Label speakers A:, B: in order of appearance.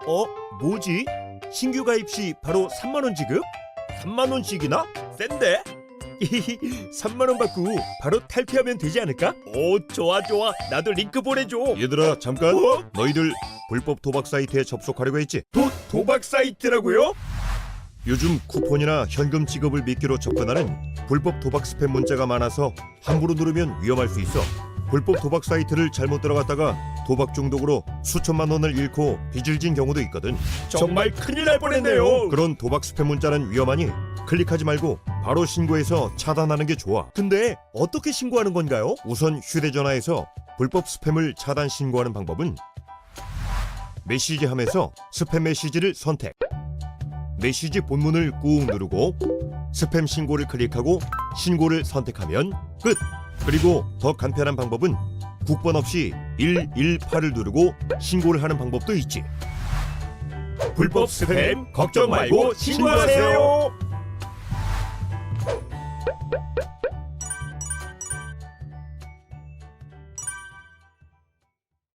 A: 뭐지? 신규 가입 시 바로 3만 원 지급? 3만 원씩이나? 센데? 3만 원 받고 바로 탈퇴하면 되지 않을까? 오, 좋아. 나도 링크 보내줘.
B: 얘들아 잠깐.
A: 어?
B: 너희들 불법 도박 사이트에 접속하려고 했지?
A: 도박 사이트라고요?
B: 요즘 쿠폰이나 현금 지급을 미끼로 접근하는 불법 도박 스팸 문자가 많아서 함부로 누르면 위험할 수 있어. 불법 도박 사이트를 잘못 들어갔다가 도박 중독으로 수천만 원을 잃고 빚을 진 경우도 있거든.
A: 정말 큰일 날 뻔했네요.
B: 그런 도박 스팸 문자는 위험하니 클릭하지 말고 바로 신고해서 차단하는 게 좋아.
A: 근데 어떻게 신고하는 건가요?
B: 우선 휴대전화에서 불법 스팸을 차단 신고하는 방법은 메시지함에서 스팸 메시지를 선택, 메시지 본문을 꾹 누르고 스팸 신고를 클릭하고 신고를 선택하면 끝! 그리고 더 간편한 방법은 국번 없이 118을 누르고 신고를 하는 방법도 있지.
A: 불법 스팸 걱정 말고 신고하세요.